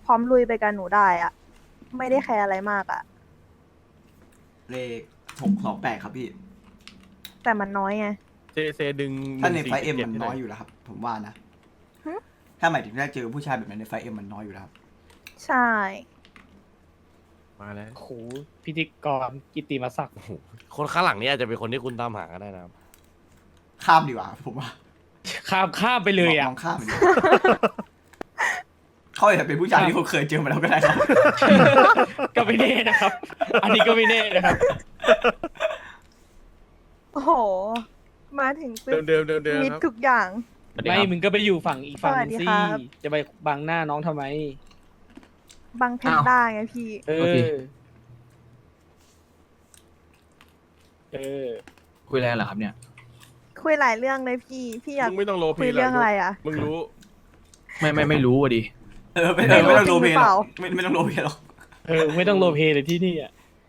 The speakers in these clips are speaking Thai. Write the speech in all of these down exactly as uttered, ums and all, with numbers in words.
พร้อมลุยไปกับหนูได้อะไม่ได้แคร์อะไรมากอะเลขหกสองแปดครับพี่แต่มันน้อยไงเซเซดึงถ้าในไฟหเอ็นึ่มงสี่จ็ดมันน้อยให้หอยู่แล้วครับ ผมว่านะฮะถ้าหมายถึงถ้าเจอผู้ชายแบบนั้นในไฟเอ็มมันน้อยอยู่แล้วครับใช่มาแล้วโอ้โหพิธีกรกิตติมศักดิ์โอ้โหคนข้างหลังนี้อาจจะเป็นคนที่คุณตามหาก็ได้นะครับข้ามดีกว่า ผมว่าข้ามข้ามไปเลยอ่ะมองข้ามไปเลยเขาอาจจะเป็นผู้ชายที่ผมเคยเจอมาแล้วก็ได้ครับก็ไม่แน่นะครับ อันนี้ก็ไม่แน่นะครับโอ้โห มาถึงปึ๊เดิบมเดิมเดิมเดิมมิดครับทุกอย่างไม่มึงก็ไปอยู่ฝั่งอีกฝั่งสวัสดีสิครับจะไปบังหน้าน้องทำไมบังเพนด้าไงพี่เอโอเคอ เออคุยอะไรกันเหรอครับเนี่ยคุยหลายเรื่องเลยพี่ พี่อยากมึงไม่ต้องโลคุพียเรื่องอะไรอะมึงรู้ไม่ไม่ไม่รู้อ่ะดิเออไม่ต้องไม่ต้องโรลเพลย์หรอกจริงหรือเปล่าไม่ไม่ต้องโรลเพลย์หรอกเออ ไม่ต้องโลเพเลยที่นี่อ่ะ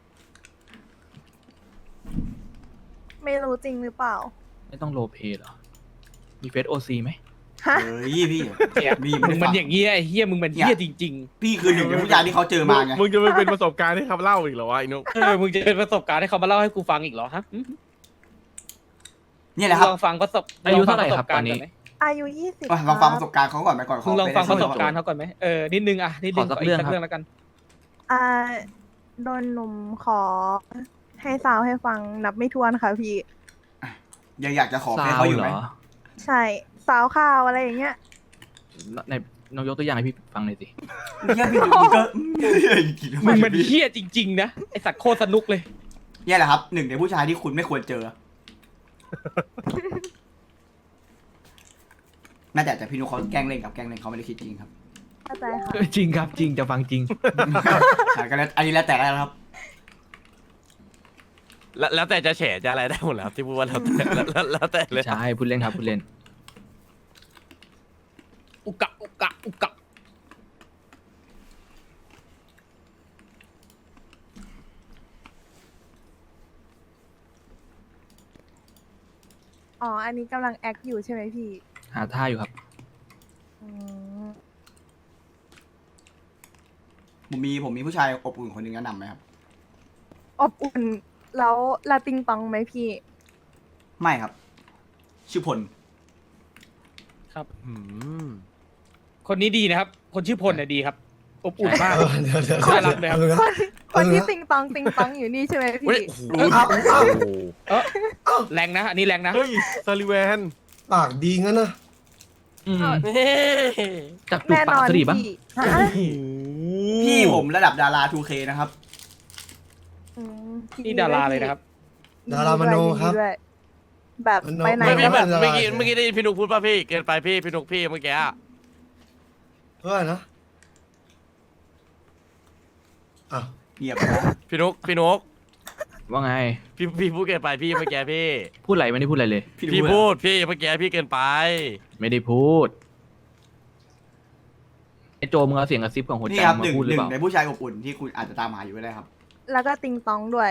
ไม่รู้จริงหรือเปล่าไม่ต้องโรลเพลย์เหรอ มีเฟซโอซีไหมฮะเฮ้ยพี่เนี่ยมีมึไม่งได้มันฟังอย่างเงี้ยไอ้เฮียมึงมันเฮียจริงพี่คือหนึ่งในผู้ชายที่เขาเจอมาไงมึงจะไปเป็นประสบการณ์ให้เขาเล่าอีกเหรอวะไอ้นุ๊กๆ เออ มึงจะเป็นประสบการณ์ให้เขามาเล่าให้กูฟังอีกเหรอฮะอืมเนี่ยแหละครับลองฟังประสบอายุเท่าไหร่ลงคฟัรับงปะสบกตอนนี้ณ์ก่ไหมอายุยี่สิบลองฟังประสบการณ์เขาก่อนไปก่อนมึงลองฟังประสบการณ์เขาเขาก่อนไหมเออ นิดนึงอ่ะ นิดนึงขอสักอีเรื่องสักครับเรื่องแล้วกันอ่าโดนหนุ่มขอ ให้สาวให้ฟังนับไม่ถ้วนค่ะพี่ยังอยากจะขอซาให้วเขาอยู่เหไหรมอใช่ สาวข้าวอะไรอย่างเงี้ยในน้องยกตัวอย่างให้พี่ฟังหน่อยสิเนี่ยพี่พี่ก็มึงมันเฮี้ยจริงๆนะ ไอสัตว์โคตรสนุกเลยเนี่ยแหละครับหนึ่งในผู้ชายที่คุณไม่ควรเจอน่าจะแต่พี่นุ๊กเขาแกล้งเล่นกับแกล้งเล่นเขาไม่ได้คิดจริงครับเข้าใจค่ะจริงครับจริงจะฟังจริงอ่ะก็แล้วอันนี้แล้วแต่แล้วครับแล้วแล้วแต่จะแฉจะอะไรได้หมดแล้วที่พูดว่าแล้วแต่แล้วแล้วแล้วแต่เลยใช่พูดเล่นครับพูดเล่นอุกะ อุกะ อุกะอ๋อ อันนี้กำลังแอคอยู่ใช่ไหมพี่หาท่าอยู่ครับอืมผมมีผมมีผู้ชายอบอุ่นคนหนึ่งแนะนำไหมครับอบอุ่น แล้วลาติงตองไหมพี่ไม่ครับ ชื่อพลอืมคนนี้ดีนะครับ คนชื่อพลเนี่ยดีครับ อบอุ่นมากเออเดี๋ยวเดี๋ยวน่ารักเลยครับเดี๋ยวคนคนที่เออติงตองติงตองอยู่นี่ใช่ไหมเฮ้ยพี่โอ้โหเอาเอาเออแรงนะ อันนี้แรงนะเฮ้ยซาลิแวนปากดีงั้นนะอืมเฮ้ยจับจูบแน่นปากอนสดีบ้างพี่ฮะพี่ผมระดับดารา ทูเค นะครับอืมนี่ดาราเลยนะครับดารามโนครับยิดีด้วยแบบมโนไปไหนไม่พี่ก็เหมืแบอนบเมื่อกี้เมื่อกี้ได้ยินพี่นุ๊กพูดป่ะพี่เกินไปพี่พี่นุ๊กพี่เมื่อกี้อะเพื่อนนะอ้าวเงียบไปแล้วพี่นุ๊กพี่นุ๊กว่าไงพี่พี่พูดเกินไปพี่เมื่อกี้พี่พูดอะไรไม่ได้พูดอะไรเลยพี่พูดพี่เมื่อกี้พี่เกินไปไม่ได้พูดไอโจมึงเอาเสียงกระซิบของหัวนี่ใจครับมาหนึ่งพูดหหรือนึ่เปงล่าในผู้ชายอบอุ่นที่คุณอาจจะตามหาอยู่ก็ได้ครับแล้วก็ติงตองด้วย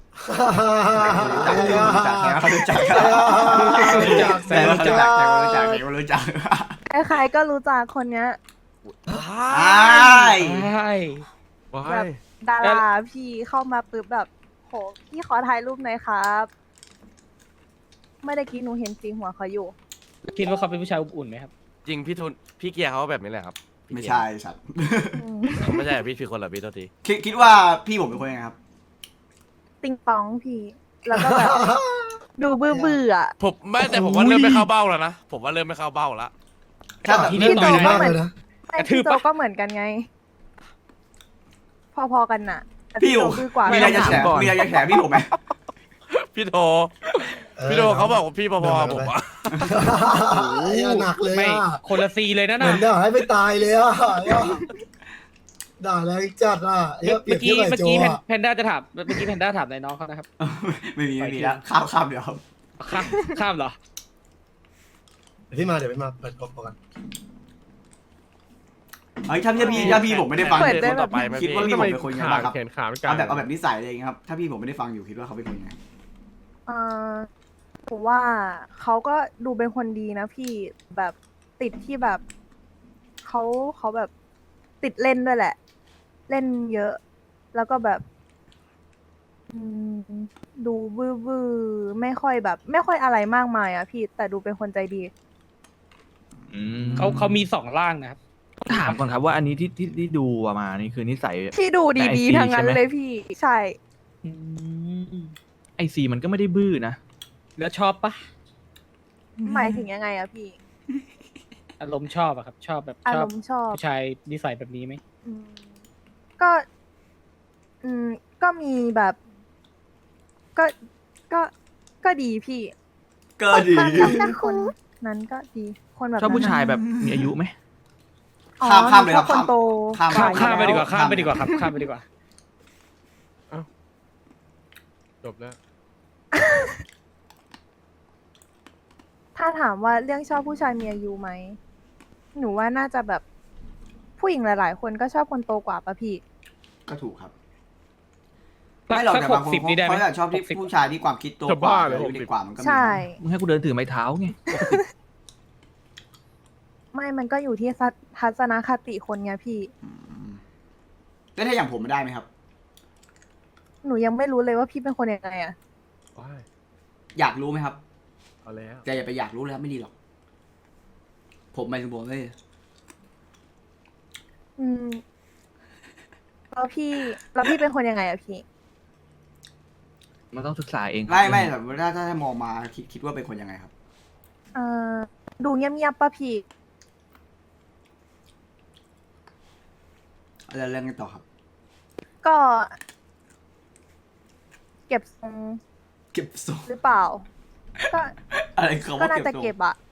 รู้จักเขารู้จักรู้จักแต่ว่าเขารู้จักแต่ว่ารู้จักแต่ว่ารู้จักใครๆก็รู้จักคนเนี้ยใช่ใช่ว้าแบบยดาราพี่เข้ามาปุ๊บแบบ โห พี่ขอถ่ายรูปหน่อยครับเมื่อกี้หนูเห็นสีหัวเขาอยู่คิดว่าเขาเป็นผู้ชายอบอุ่นไหมครับจริงพี่ทุนพี่เกียร์เขาแบบนี้แหละครับพี่ไม่เกียร์ใช่สัตว์อืมไม่ใช่พี่ผิดคนเหรอพี่โทษทีคิดคิดว่าพี่ผมเป็นคนยังไงครับติงตองพี่ แล้วก็แบบ ดูเบื่อเบื่อๆอะผมไม่แต่ผมว่าเริ่มไม่เข้าเบ้าแล้วนะผมว่าเริ่มไม่เข้าเบ้าแล้วถ้าแบบที่นี่นี่ต่ต่ออย ยมากเลยนะไม่กระทืพี่บโจปะก็เหมือนกันไง พอๆกันน่ะแต่พี่พี่ผโจมดื้อกว่ามีอะไรจะแฉก่อนมีอะไรจะแฉพี่ผมไหมพี่โทพี่โทเขาบอกว่าพี่พอๆผมว่าไอ้ยหนักเลยไม่อ่ะคนละซีเลยนะเหมืน่ะอนด่าให้ไปตายเลยอ่ะด่าแรงจัดอ่ะไอ้เปรีเมื่ยอบเทีกี้ยบกับเมื่อไอ้โจกี้แพนอ่ะแพนด้าจะถาม เมื่อกี้แพนด้าถามในน้องเขานะครับไม่มีไม่มีแล้วข้ามข้ามเดี๋ยวครับข้ามข้ามเหรอเดี๋ยวพี่มาเดี๋ยวพี่มาเปิดกบกันเฮ้ยถ้าพี่พี่ถ้าพี่ผมไม่ได้ฟังเปิดได้คนต่อไปไหมคิดว่าพี่ผมเป็นคนยังไงบ้างครับแขนขาไม่กล้าเอาแบบเอาแบบนิสัยเลยางเงี้ยครับ ถ้าพี่ผมไม่ได้ฟังอยู่คิดว่าเขาเป็นคนยังไงเออผมว่าเขาก็ดูเป็นคนดีนะพี่แบบติดที่แบบเขาเขาแบบติดเล่นด้วยแหละ เล่นเยอะ แล้วก็แบบอืมดูบื้อบื้อไม่ค่อยแบบ ไม่ค่อยอะไรมากมายอะพี่แต่ดูเป็นคนใจดีอืมเขาเขามีสองร่างนะครับถามก่อนครับว่าอันนี้ที่ที่ที่ดูมานี่คือนิสัยที่ดูในดีไอจีๆทั้งนั้นใช่ไหมเลยพี่ ใช่อืมไอซีมันก็ไม่ได้บื้อนะแล้วชอบปะหมายถึงยังไงอะพี่อารมณ์ชอบอะครับ ชอบแบบอาชอรบมณ์ชอบผู้ชายนิสัยแบบนี้ไหมอืมก็ อืม ก็มีแบบ ก็ ก็ ก็ดีพี่ก็ดีคนคนคนนั้นก็ดี คนแบบชอบผู้นั้นชายน่ะแบบมีอายุไหมอ๋อข้ามข้ามเลยครับหนูชอคนโตข้ามข้ามกข้ามไปอยู่ดีกว่าแล้ข้ามไปดีกว่าครับ ข้ามไปดีกว่าจบแล้วถ้าถามว่าเรื่องชอบผู้ชายมีอายุไหม หนูว่าน่าจะแบบ ผู้หญิงหลาย ๆ คนก็ชอบคนโตกว่าปะพี่ก็ถูกครับสักไม่หรอกสักแต่หบางกคนสิบนี่ได้ไหมเขาอยากชอบที่หกสิบผู้ชายที่ความคิดโตจะกว่าบ้าเหรออายุหกสิบเด็กกว่ามันก็มีใช่มึงให้กูเดินถือไม้เท้าไงไม่มันก็อยู่ที่ทัศทัศนคติคนไงพี่อืมแล้วถ้าอย่างผมได้ไหมครับหนูยังไม่รู้เลยว่าพี่เป็นคนยังไงอะว้ายอยากรู้ไหมครับเอาแล้วแต่อย่าไปอยากรู้เลยครับไม่ดีหรอก ผมไม่ถึงผมเลยอืม แล้วพี่ แล้วพี่เป็นคนยังไงอะพี่มันต้องศึกษาเองครับไม่ไม่แต่ถ้าถ้าถ้ามองมาคิดคิดว่าเป็นคนยังไงครับเอ่อ ดูเงียบๆปะพี่แล้วเรื่องกันต่อครับก็ เก็บทรงเก็บทรงหรือเปล่า ก็อะไรเขาก็ว่าน่าเก็บจะทรงเก็บอะ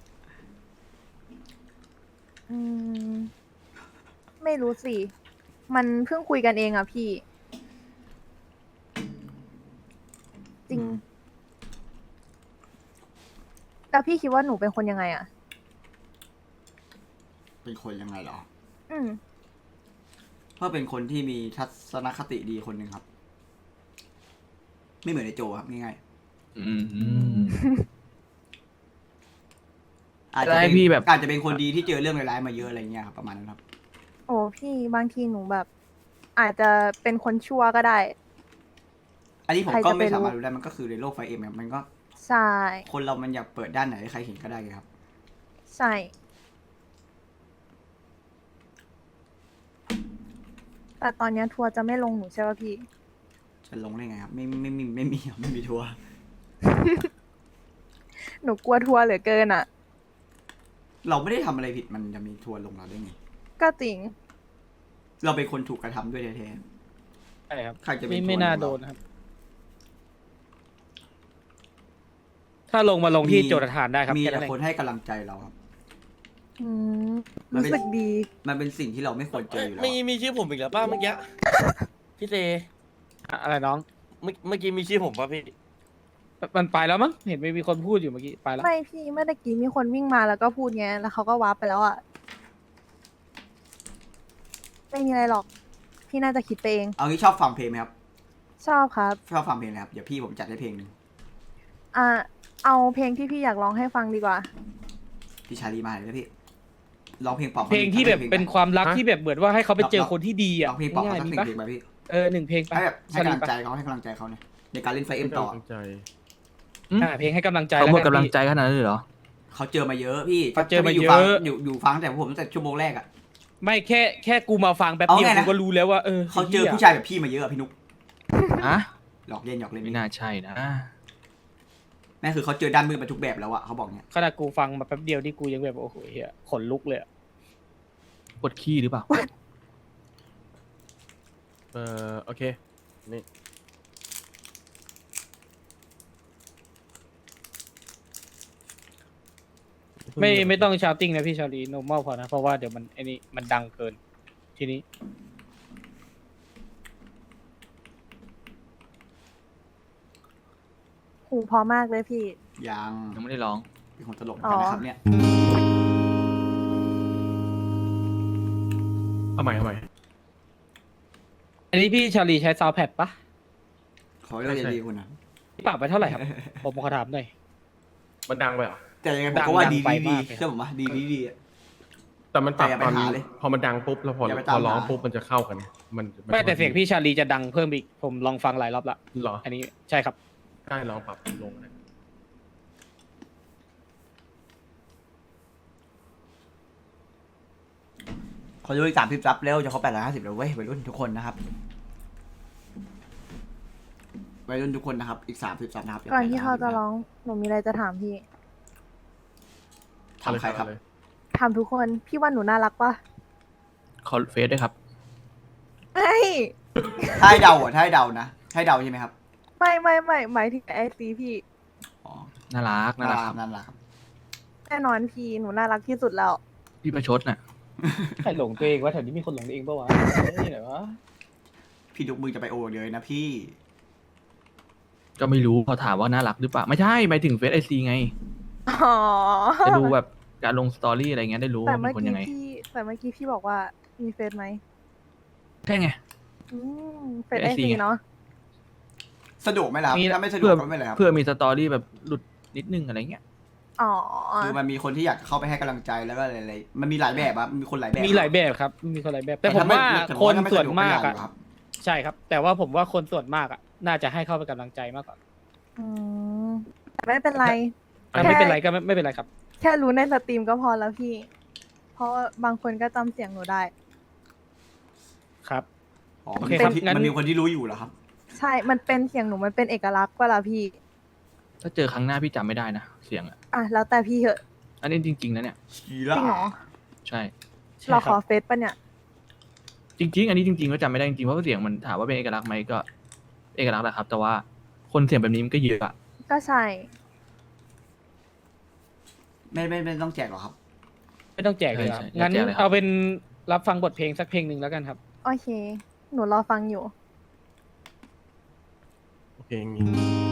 อืม ไม่รู้สิ มันเพิ่งคุยกันเองอะพี่ จริง แล้วพี่คิดว่าหนูเป็นคนยังไงอะเป็นคนยังไงเหรออืมเพราะเป็นคนที่มีทัศนคติดีคนหนึ่งครับ ไม่เหมือนไอโจครับง่ายอืมๆอาจจะได้เป็นพี่แบบอาจจะเป็นคนดีที่เจอเรื่องร้ายๆมาเยอะอะไรเงี้ยครับประมาณนั้นครับโอ้พี่บางทีหนูแบบ อาจจะเป็นคนชั่วก็ได้อันนี้ผมใครก็จะไปไม่สามารถรู้รู้ได้มันก็คือในโลกไฟเอ็มครับมันก็ใช่คนเรามันอยากเปิดด้านไหนให้ใครเห็นก็ได้ไงครับใช่ แต่ตอนเนี้ยทัวร์จะไม่ลงหนูใช่ป่ะพี่จะลงได้ไงครับ ไม่ไม่ไม่ไม่มีไม่มีทัวร์หนูกลัวทัวร์เหลือเกินอ่ะเราไม่ได้ทำอะไรผิดมันจะมีทัวร์ลงเราได้ไงก็จริงเราเป็นคนถูกกระทำด้วยแท้ใช่ครับใครจะเป็นไม่คนไม่น่าของเราโดนนะครับ ถ้าลงมาลงๆที่มีโจทย์ฐานได้ครับมีแค่แต่นั้นเอคนงให้กำลังใจเราครับอืมมันเป็รู้นสึกดีมันเป็นสิ่งที่เราไม่ควรเจออยู่แล้วมีอะมีชื่อผมอีกแล้วป้าเมื่อกี้ พี่เซอะอะไรน้องเมื่อเมื่อกี้มีชื่อผมป่ะพี่มันไปแล้วมั้ง เห็นไม่มีคนพูดอยู่เมื่อกี้ ไปแล้วไม่พี่เมื่อกี้มีคนวิ่งมาแล้วก็พูดไงแล้วเขาก็วาร์ปไปแล้วอ่ะ ไม่มีอะไรหรอก พี่น่าจะคิดไปเองเอางี้ชอบฟังเพลงไหมครับชอบครับชอบฟังเพลงนะครับ เดี๋ยวพี่ผมจัดให้เพลงหนึ่งอ่า เอาเพลงที่พี่อยากร้องให้ฟังดีกว่าพี่ชาลีมาเลยนะพี่ ร้องเพลงปอบเพลงที่แบบเป็นความรักฮะที่แบบเหมือนว่าให้เขาไปเจอคนที่ดีอ่ะร้องเพลงปอบง่าเขายสักๆหมีนึ่งปะเพลงไปพี่เออหนึ่งเพลงไปให้แบบให้กำลังใจปะเขาให้กำลังใจเขาเนี่ยในการเล่นไฟเอ็มต่อตั้งใจอ่าเพลงให้กำลังใจเขาหมดแวกำลังพี่ใจขนาดนั้นเลยเหรอเขาเจอมาเยอะพี่เขาเจอมาเยอะฟังอยู่อยู่ฟังแต่ผมตั้งแต่ชั่วโมงแรกอ่ะไม่แค่แค่กูมาฟังแป๊บเอาเดียวไงนะกูก็รู้แล้วว่าเออเขาเจอไหี้ยผู้ชายแบบพี่มาเยอะอะพี่นุ๊กฮะหลอกเล่นหยอกเล่นไม่น่าใช่นะแม่คือเขาเจอด้านมืดมาทุกแบบแล้วอะเขาบอกเนี้ยขนาดกูฟังมาแป๊บเดียวที่กูยังแบบโอ้โหเฮียขนลุกเลยอะปวดขี้หรือเปล่าเอ่อโอเคนี่ไม่ไม่ต้องชาวติ้งนะพี่ชาลี normal พอนะ เพราะว่าเดี๋ยวมันไอ้นี่มันดังเกิน ทีนี้หูพอมากเลยพี่ยังยังไม่ได้ร้องเป็นคนตลกเหมือนกันนะครับเนี่ยเอาใหม่เอาใหม่อันนี้พี่ชาลีใช้ซาวแพดปะขอให้เราจะดีคุณนะปรับไปเท่าไหร่ครับ ผมขอถามหน่อยมันดังไปเหรอแต่ยังไงผมดังก็ว่าดังดีไปดีดีมากเลยเชื่อผมว่าดีดีดีอะแต่มันปรับแต่อย่าไปตอนหาเลยพอมันดังปุ๊บแล้วพออย่าไปพตามอร้องหาปุ๊บมันจะเข้ากัน มันนไม่แต่เสียงพี่ชาลีจะดังเพิ่มอีกผมลองฟังหลายรอบละเหรออันนี้ใช่ครับได้ลองปรับลงนะขอดูอีกสามสิบซับเร็วจะครบแปดร้อยห้าสิบแล้วเว้ยวัยรุ่นทุกคนนะครับวัยรุ่นทุกคนนะครับ อีกสามสิบซับนะครับก่อนที่เขาจะร้องหนูมีอะไรจะถามพี่ทำใครครับเลยถามทุกคนพี่ว่าหนูน่ารักปะขอเฟซด้วยครับไม่ถ้าให้เดาอ่ะถ้าให้เดานะให้เดาใช่ไหมครับไม่ไม่ไม่หมายถึงไอซีพี่อ๋อน่ารักน่าน่ารัรักกครับนั่นแหละครับแน่นอนพี่หนูน่ารักที่สุดแล้วพี่ประชดน่ะใครหลงตัวเองวะแถวนี้มีคนหลงตัวเองปะวะนี่ไหนวะพี่ดุกมือจะไปโอเลยนะพี่ก็ไม่รู้พอถามว่าน่ารักหรือเปล่าไม่ใช่หมายถึงเฟซไอซีไงอ๋อจะดูแบบการลงสตอรี่อะไรเงี้ยได้รู้แต่ว่าเป็เมื่อนคนกี้ยังไงพี่แต่เมื่อกี้พี่บอกว่ามีเฟซไหมใช่ไงอืมเฟซเฟไอซ ไอ ซีซีเนาะสะดวกไหมล่ะครับมีถ้าไม่สะดวเพื่กอก็ไม่เป็นไรครับเพื่อมีสตอรี่แบบหลุดนิดนึงอะไรเงี้ยอ๋อคือมันมีคนที่อยากเข้าไปให้กำลังใจแล้วก็อะไรๆมันมีหลายแบบอะมีคนหลายแบบมีหลายแบบครับ มีคนหลายแบบ แต่แต่ผมถ้าไม่ว่าแต่คนถ้าไม่ส่วนสะดวกมากไม่อะได้หรอกครับใช่ครับ แต่ว่าผมว่าคนส่วนมากอะน่าจะให้เข้าไปกำลังใจมากกว่าอืมแต่ไม่เป็นไรแต่ไม่เป็นไรก็ไม่ไม่เป็นไรครับแค่รู้ในสตรีมก็พอแล้วพี่ เพราะว่าบางคนก็จำเสียงหนูได้ครับอ๋อโอมันเคมีคนที่ครับงั้นมันมีคนที่รู้อยู่เหรอครับใช่ มันเป็นเสียงหนูมันเป็นเอกลักษณ์เวลาพี่ถ้าเจอครั้งหน้าพี่จำไม่ได้นะเสียงอ่ะอ่ะแล้วแต่พี่เหอะอันนี้จริงๆนะเนี่ยจริงเหรอใช่ใช่เราคขรัอบ เฟซปะเนี่ยจริง ๆ อันนี้จริงๆก็จำไม่ได้จริงๆเพราะว่าเสียงมันถามว่าเป็นเอกลักษณ์ไหมก็ เอกลักษณ์แหละครับ แต่ว่าคนเสียงแบบนี้มันก็เยอะอะก็ใช่ไม่ไม่ไม่ต้องแจกหรอกครับไม่ต้องแจกเลยครับใช่ใช่งั้นแจกเลยครับเอาเป็นรับฟังบทเพลงสักเพลงหนึ่งแล้วกันครับโอเค หนูรอฟังอยู่โอเคงี้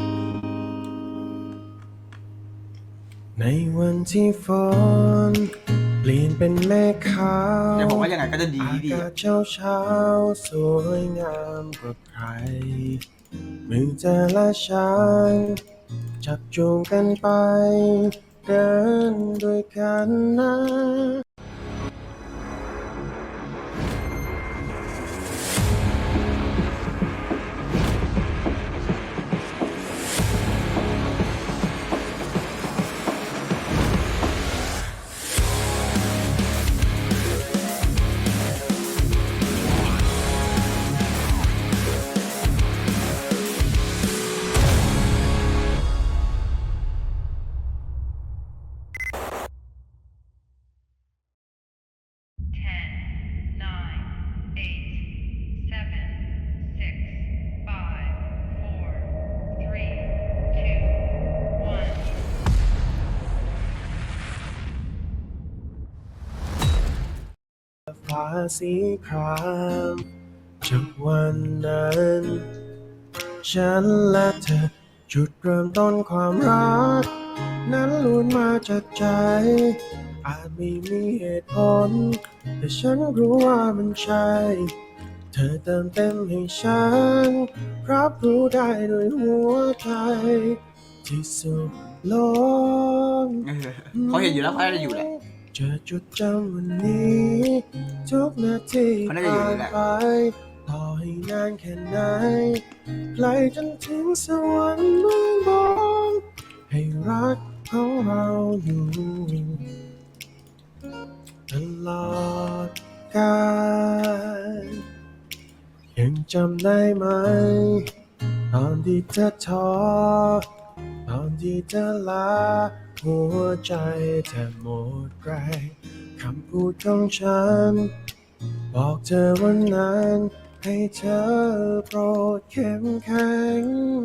ในวันที่ฝนเปลี่ยนเป็นแม่ขาวแต่ผมว่ายังไงก็จะดีอาดีกาศเช้าเช้าๆสวยงามกว่าใคร มือเธอและฉันจับจูงกันไป เดินด้วยกันนะ Ten, nine, eight, seven, six, five, four, three, two, one. ฟ้าสีครามจากวันนั้น ฉันและเธอจุดเริ่มต้นความรัก นั้นล้วนมาจากใจ อาจไม่มีเหตุผล แต่ฉันรู้ว่ามันใช่ เธอเติมเต็มให้ฉัน รับรู้ได้ด้วยหัวใจ ที่สุดโลกเออเขาเห็นอยู่แล้วเขาน่าจะอยู่แหละจะจดจำวันนี้ ทุกนาทีเขาน่าจะอยู่ผ่านแหละไปต่อให้นานแค่ไหนไกลจนถึงสวรรค์เมืองบนให้รักของเราอยู่ตลอดกาลยังจำได้ไหม ตอนที่เธอท้อตอนที่เธอลา หัวใจแทบหมดแรงคำพูดของฉัน บอกเธอวันนั้นให้เธอโปรดเข้มแข็ง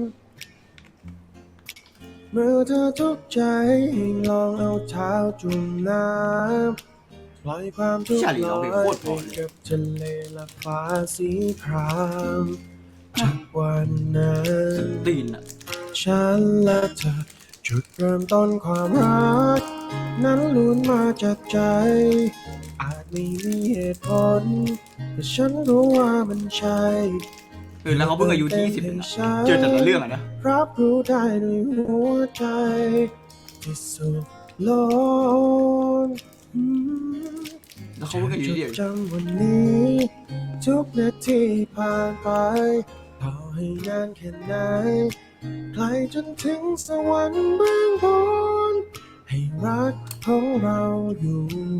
เมื่อเธอทุกข์ใจให้ลองเอาเท้าจุ่มน้ำปล่อยความทุกข์ชาลีลร้องอเพลงยโคตรเพไปราะเลยกับทะเลและฟ้าสีครามจากวันนั้นตีนอ่ะฉันและเธอจุดเริ่มต้นความรัก นั้นล้วนมาจากใจ อาจไม่มีเหตุผล แต่ฉันรู้ว่ามันใช่เออแล้วเขาเพิ่งอายุยี่สิบเองนะเจอแต่ละเรื่องอ่ะนะรับรู้ได้ด้วยหัวใจ ที่สุดโลกอืมแล้วเขาพูดกันอยู่ดีจำวันนี้ทุกนาทีผ่านไปต่อให้นานแค่ไหนไกลจนถึงสวรรค์เบื้องบนให้รักของเราอยู่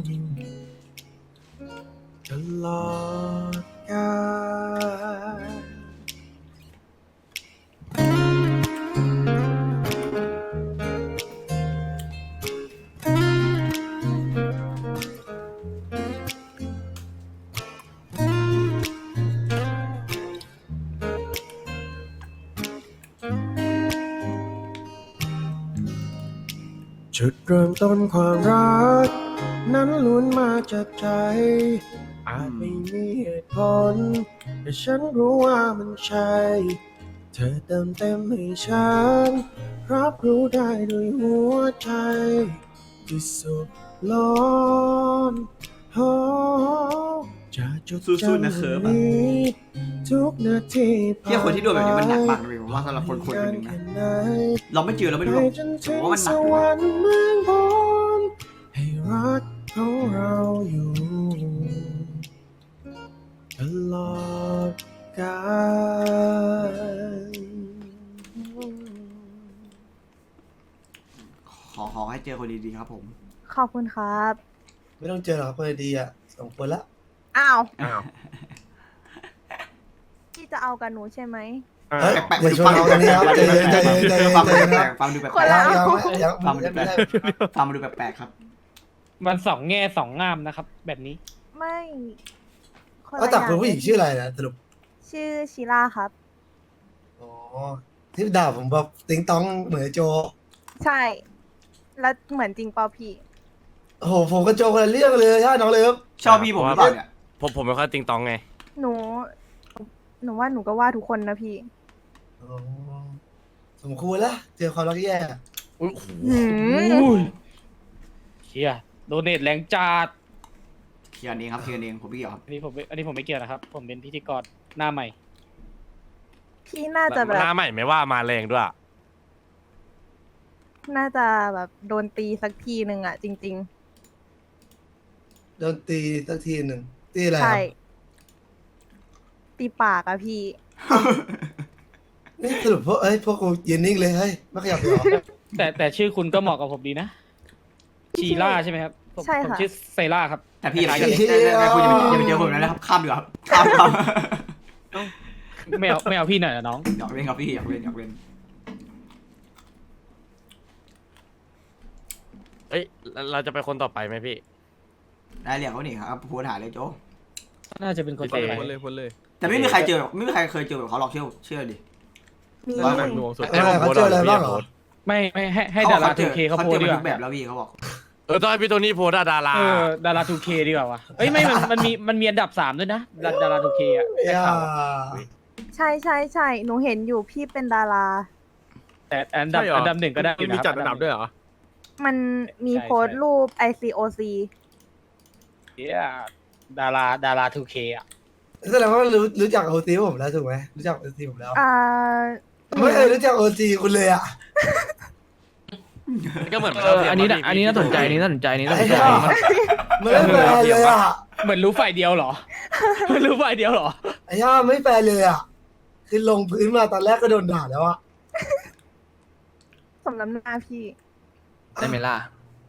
ตลอดกาล จุดเริ่มต้นความรักนั้นล้วนมาจากใจอาจไม่มีเหตุผลแต่ฉันรู้ว่ามันใช่เธอเติมเต็มให้ฉันรับรู้ได้ด้วยหัวใจที่สุดล้นโอ้จะจดสู้ๆจำนะเคิร์ฟอะนี้ทุกนาทีเที่ยคนที่โดนแบบนี้มันหนักมากเลยผมว่าสำหรับคนคนคนหนึ่งนะ เราไม่เจอเราไม่รู้หรอกผมว่ามันหนักอยู่นะเมืองบนให้รักของเราอยู่ตลอดกาลขอขอให้เจอคนดีๆครับผมขอบคุณครับไม่ต้องเจอหรอกครับคนดีอ่ะสองคนละอ้าวอ้าวพี่จะเอากับหนูใช่ไหมเฮ้ยแปลกๆอย่าชวนเราตรงนี้ครับใจเย็นใจเย็นใจเย็นฟังใจดูเย็นแปคลรับกๆฟังดูแปลกคนๆละยังยังยังฟังดูยังแปลไม่กได้ๆฟังดูแปลกๆครับมันสองแง่สองงามนะครับ แบบนี้ไม่คนก็ละแต่อย่าคุณผู้หญิงชื่ออะไรนะสรุปชื่อชิล่าครับอ๋อที่ด่าผมแบบติ๊งต้องเหมือนโจใช่ แล้วเหมือนจริงเปล่าพี่โอ้โหผมกับโจคนละเรื่องเลยใช่น้องเลิฟชอบพี่ผมหรือเปล่าเนี่ยผมผมไม่ค่อยติงตองไงหนู หนูว่าหนูก็ว่าทุกคนนะพี่อ๋อสมควรแล้วเจอความรักแย่อุ้ยหืมเชียโดเนทแรงจัดเคลียร์เองครับเคลียร์เองผมไม่เกี่ยวครับอันนี้ผมไม่อันนี้ผมไม่เกี่ยวนะครับ ผมเป็นพิธีกรหน้าใหม่พี่น่าจะแบบหน้าใหม่ไม่ว่ามาแรงด้วยน่าจะแบบโดนตีสักทีหนึ่งอะจริงโดนตีสักทีหนึ่งตีอะไรๆคใช่รับตีปากอะพี่นี่สรุปพวกเอ้ยพวกกูยืนนิ่งเลยเฮ้ยไม่ขยับเลยเหรอแต่แต่ชื่อคุณก็เหมาะกับผมดีนะ ชีล่าใช่ไหมครับผมใช่ผมค่ะชื่อไซล่าครับแต่พี่อย่าไปเจอแต่คุณอย่าไปอย่าไปเจอผมนะครับข้ามดีกว่าครับข้ามครับไม่เอาไม่เอาพี่หน่อยนะน้องอยากเล่นครับพี่อยากเล่นอยากเล่นเอ้ยเราเราจะไปคนต่อไปไหมพี่ได้เรียกเขาหนิครับพูดหาเลยโจน่าจะเป็นคนต่อไปพ้นเลยพ้นเลยแต่ไม่มีใครเจอไม่มีใครเคยเจอแบบเขาหรอกเชื่อเชื่อดิมีร้อยหนักหน่วงสุดเออเขาเจออะไรบ้างเหรอไม่ไม่ให้ให้ดาราทูเคเขาเขาโพเจสอดีมาก ทุว่ากแบบแล้วพี่เขาบอกเออต้องให้พี่โทนี่โพสต์อะดาราเออดาราทูเคดีกว่าวะเอ้ยไม่มันมันมีมันมีอันดับสามด้วยนะดาดาราทูเคอะได้อย่าข่าวใช่ใช่ใช่ หนูเห็นอยู่พี่เป็นดาราแต่อันดับอันดับหนึ่งก็ได้อยู่มีนะครับจัดอันดับด้วยเหรอมันมีโพสต์รูป ไอ ซี โอ ซีเหี้ยดาราดาราทูเคอะแสดงว่ารู้รู้จักโอซีผมแล้วถูกไหมรู้จักโอซีผมแล้วอ่าไม่เคยรู้จักโอซีคุณเลยอ่ะก็เหมือนเอออันนี้น่ะอันนี้น่าสนใจอันนี้น่าสนใจอันนี้น่าสนใจไม่แฟร์เลยอ่ะเหมือนรู้ฝ่ายเดียวเหรอ รู้ฝ่ายเดียวเหรอไอ้ย่าไม่แฟร์เลยอ่ะคือลงพื้นมาตอนแรกก็โดนด่าแล้วอ่ะสมน้ำหน้าพี่ได้ไหมล่ะ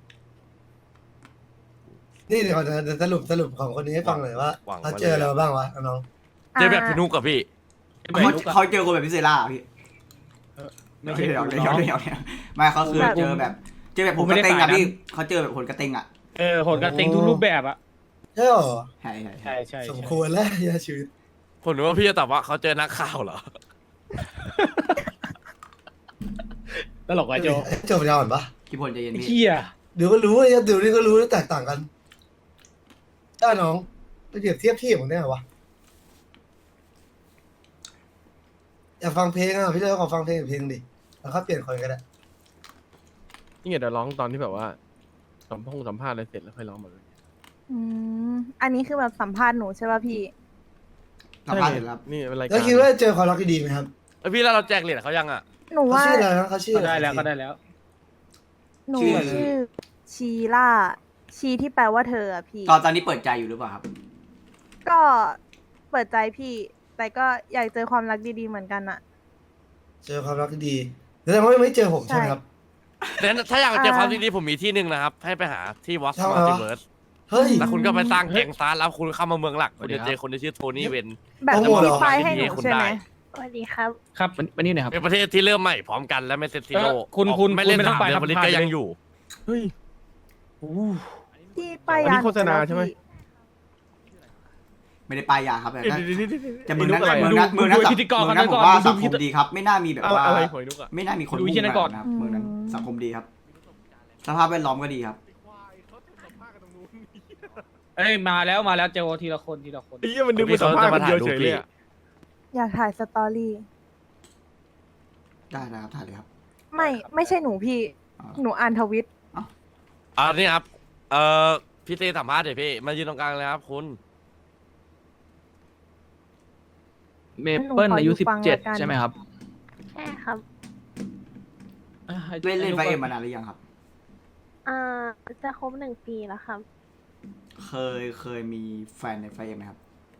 นี่เดี๋ยวจะสรุปสรุปของคนนี้ให้ฟังหน่อยว่าเขาเจออะไรมาบ้างวะน้องเจอแบบพี่นุกกับพี่เขาเขาเจอคนแบบพิเศษล่าพี่ไม่ไม่ใช่ใช่เดี๋ยวน้เดี๋ยวองเดี๋ยวเดี๋ยวไม่เขาคือเจอแบบ เจอแบบผมกระเต็งอ่ะพี่เขาเจอแบบคนกระเต็งอ่ะเออโหดกระเต็งทุกรูปแบบอะใช่หรอใช่ใช่ใช่ใช่สมใช่ควรแล้วยาชีวิตผมนึกว่าพี่จะตอบว่าเขาเจอนักข่าวเหรอตลกอะโจจบยาวอ่อนปะพี่พลใจเย็นไอ้พี่เหี้ยเดี๋ยวก็รู้เลยเดี๋ยวนี้ก็รู้แตกต่างกันถ้าน้องไปเปรียบเทียบพี่ผมได้ไงวะอยากฟังเพลงอ่ะพี่เลยขอฟังเพลงอีกเพลงดิแล้วก็เปลี่ยนคนก็ได้นี่ไงเดี๋ยวร้องตอนที่แบบว่าสัมพงสัมภาษณ์อะไรเสร็จแล้วค่อยร้องมาเลยอืม อันนี้คือแบบสัมภาษณ์หนูใช่ป่ะพี่สัมภาษณ์เสร็จแล้วนี่เป็นรายการแล้วคิดว่าเจอความรักที่ดีไหมครับเอ้ยพี่แล้วเราแจกเหรียญเขายังอ่ะหนูเขาว่าชื่ออะไรนะเขาชื่อก็อะไรได้แล้วก็ได้แล้วหนูชื่อชีล่าชีที่แปลว่าเธออะพี่ตอนตอนนี้เปิดใจอยู่หรือเปล่าครับก็เปิดใจพี่ แต่ก็อยากเจอความรักดีๆเหมือนกันอะเจอความรักที่ดีแสดงว่าไม่เจอผมใช่ไหมครับแต่ถ้าอยากเจออ่าความดีๆผมมีที่หนึ่งนะครับ ให้ไปหาที่วอสทำไมมัลวะติเวิร์สเฮ้ยแล้วคุณก็ไปสร้างแก๊งซาร์แล้วคุณเข้ามาเมืองหลัก คุณจะเจอคนที่ชื่อโทนี่เวนแบบโปรโมทเหรที่อป้ายให้หนูคุณใช่ไหมได้สวัสดีครับครับวันวันนี้หนะครับเป็นประเทศที่เริ่มใหม่พร้อมกันและไม่เซ็ตซิโร่เออคุณคุณไม่เล่นคุณไม่ต้สาองมไปเดือนครับผลิตผ่านก็ไปยังอยู่เฮ้ยที่ป้ายอันยานี้โฆษณาหนูไปแล้วใช่ไหมพี่ไม่ได้ป้ายยาครับแต่ก็เดี๋ยวๆๆแต่เมืองนั้นไอ้นุ๊กอะไรอะเมืองนั้นดูเมืองนั้นดูพิธีกรเมืองนั้นก่ผอนมว่าดูสังคพิมธีดีครับ ไม่น่ามีแบบอะไรว่าอะไรหอยนุกอะไม่น่ามีคนดูมุ่งที่นั่นก่อนแบบนะครับเมืองนั้นสังคมดีครับ สภาพแวดล้อมก็ดีครับเอ้ยมาแล้วมาแล้วเจอทีละคนทีละคนไอ้เหี้ยมันนึกเป็นสัมภาษณ์คนเดียวเฉยเลยอะอยากถ่ายสตอรี่ได้นะครับถ่ายเลยครับไม่ไม่ใช่หนูพี่อ่าหนูอ่านทวิตอ่านี่ครับ เอ่อพี่เต้สัมภาษณ์เดี๋ยวพี่ มายืนตรงกลางเลยครับคุณเมเปิลอายุหนูขออยู่สิบฟังเจ็ดแล้วกันใช่ไหมครับใช่ครับอ่ะให้เล่นเล่นไฟให้เอ็มกมานานหรือยังครับอ่า จะครบหนึ่งปีแล้วครับเคยเคยมีแฟนในไฟเอ็มไหมครับ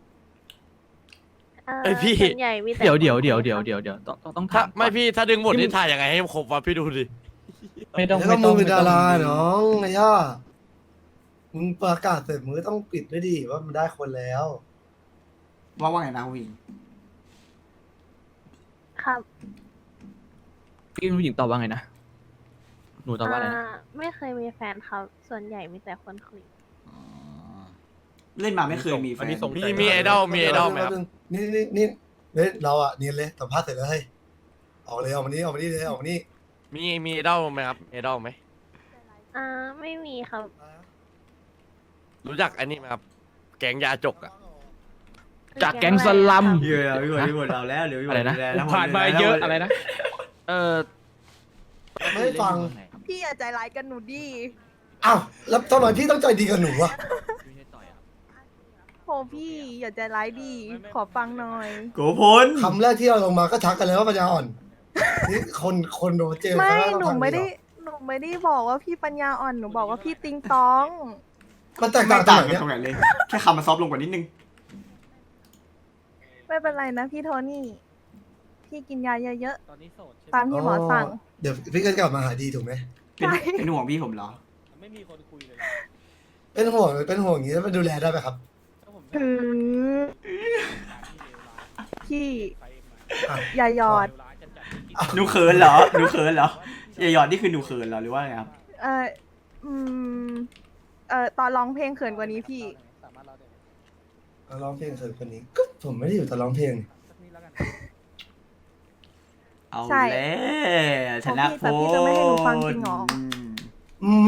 เอ่อเอ้ยพี่ส่วนใหญ่มีแต่เดี๋ยวเดี๋ยวคนเดี๋ยวคุเดี๋ยวครับเดี๋ยวเดี๋ยวต้องต้องต้องถ้าถามก่อนไม่พี่ถ้าดึงบทที่นี่ถ่ายยังไงให้ครบวะพี่ดูดิไม่ต้องแล้วไม่ก็ต้มึอง งเป็นดาราไม่ต้องน้องไอ้ย่ามึงประกาศเสร็จมึงก็ต้องปิดด้วยดิว่ามันได้คนแล้วว่าว่าไงนะคุณผู้หญิงครับพี่ผู้หญิงตอบว่าไงนะ หนูตอบว่าอะไรนะอ่าไม่เคยมีแฟนครับ ส่วนใหญ่มีแต่คนคุยอ๋อเล่นมาไม่เคยมีแฟอันนนี้ส่งมีมีไอดอลมีไอดอลไหมครับนี่นี่นี่เฮ้ยเราอ่ะเนียนเลยสัมภาษณ์เสร็จแล้วเฮ้ยออกเลยออกมานี่ออกมานี่เลยออกมานี่มีมีไอดอลไหมครับไอดอลไหมอ่า ไม่มีครับรู้จักอันนี้ไหมครับ แก๊งยาจกอะจากแก๊งสลัมเยอะพี่บอลพี่บอลเราแล้วเดี๋ยวพี่บอลอะไรนะดูแลแล้วผ่านมาเยอะอะไรนะเออไม่ให้ฟังพี่อย่าใจร้ายกันหนูดิอ้าวแล้วทำไมพี่ต้องใจดีกับหนูอ่ะโหพี่อย่าใจร้ายดิ ขอฟังหน่อยโกพลคำแรกที่เราลงมาก็ทักกันเลยว่าปัญญาอ่อนนี่คนคนโดนเจอไม่ครั้งแรกต้องหนูทักไม่ดีได้เหรอหนูไม่ได้บอกว่าพี่ปัญญาอ่อน หนูบอกว่าพี่ติงตองมันแตกไม่ต่างตรต่างงไหนกันเนี่ยตรงไหนเลย แค่คำมันซอฟต์ลงกว่านิดนึงไม่เป็นไรนะพี่โทนี่ พี่กินยาเยอะตอนนี้โสดใช่ๆไหมตามที่หมอสั่งเดี๋ยวพี่ก็จะกลับมาหาดีถูกไหมเป็นใช่เป็นห่วงพี่ผมเหรอไม่มีคนคุยเลยเป็นห่วงเป็นห่วงอย่างนี้แล้วมันดูแลได้ไหมครับถ้าผมอืมพี่ไปเองมาอ่ะอย่าหยอดเลวร้ายจัดจัดไม่กินหนูเขินเหรอ หนูเขินเหรออย่าหยอดนี่คือหนูเขินเหรอหรือว่าไงครับเอออืม เออตอนร้องเพลงเขินกว่านี้พี่สามารถเล่าได้ไหมเราร้องเพลงเสร็จคนนี้ก็ผมไม่ได้อยู่แต่ร้องเพลงสักนิดแล้วกันเอาใช่แล้วชนะแต่พี่จะไม่ให้หนูฟังจริงเหรออืมไม่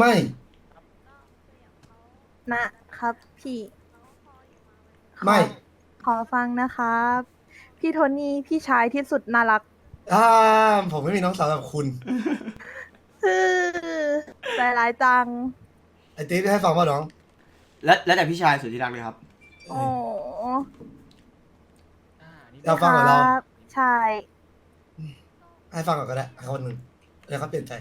นะครับ พี่ไม่ขอฟังนะครับ พี่โทนี่พี่ชายที่สุดน่ารักอ่าผมไม่มีน้องสาวแบบคุณฮือใจร้ายจังไอ้ติ๊บให้ฟังว่าน้องแล้วแล้วแต่พี่ชายสุดที่รักเลยครับโอ้อยากฟังกับเราครับใช่ให้ฟังก่อนก็ได้ให้คนหนึ่งแล้วเขาเปลี่ยนใจ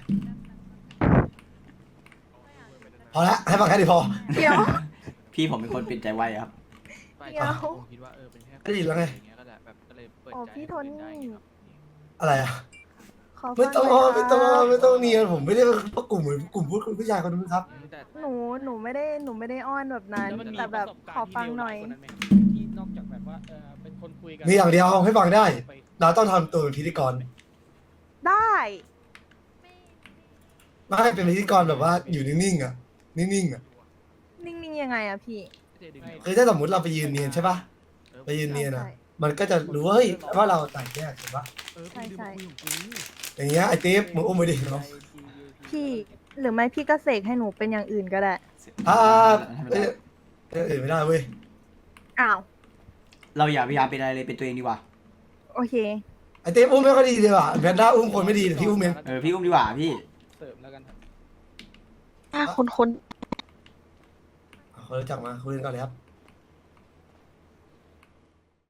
พอละให้ฟังแค่นี้พอเดี๋ยวพี่ผมเป็นคนเปลี่ยนใจไวอะครับไปเดี๋ยวผมคิดว่าเออเป็นแค่ได้ยินแล้วไงอย่างเงี้ยก็ได้แบบก็เลยเปิดโอ้ใจพี่โทนี่ให้คุยได้ครับอะไรอ่ะขอฟัไม่งต้องหน่อยไม่ต้องครับไม่ต้องเนียนผมไม่ได้ประกลุ่มเหมือนกลุ่มพูดคุณผู้ชายคนนึงครับแต่หนูหนูไม่ได้หนูไม่ได้อ้อนแบบนั้นล้วมันมีแต่แบบประสขอฟังหน่อยการณ์ที่เลวร้ากว่านั้นไหมที่นอกจากแบบว่าเออเป็นคนคุยกันมีอย่างเดียวให้ฟังได้ไปเราต้องทำตัวเป็นพิธีกรได้ไม่เป็นพิธีกรแบบว่าอยู่นิ่งๆอ่ะ นิ่งๆอ่ะนิ่งๆยังไงอะพี่คือถ้าสมมติเราไปยืนเนียนใช่ปะไปยืนเนียนอ่ะใช่มันก็จะรู้ว่าเฮ้ยว่าเราต่างแยกใช่ปะใช่ใช่อย่างเงี้ยไอ้ติ๊บมึงอุ้มไปดิเนาะพี่หรือไม่พี่ก็เสกให้หนูเป็นอย่างอื่นก็ได้อ่าเอ้ยเอ้ยเอ้ยไม่ได้เว้ยอ้าวเราอย่าพยายามเป็นอะไรเลยเป็นตัวเองดีกว่าโอเคไอ้ติ๊บอุ้มไม่ค่อยดีเลยว่ะแพนด้าอุ้มคนไม่ดีเดี๋ยวพี่อุ้มเองเออพี่อุ้มดีกว่าพี่เสริมแล้วกันครับถ้าคุณคุณอ่ะคนรู้จักมาคุยกันก่อนเลยครับ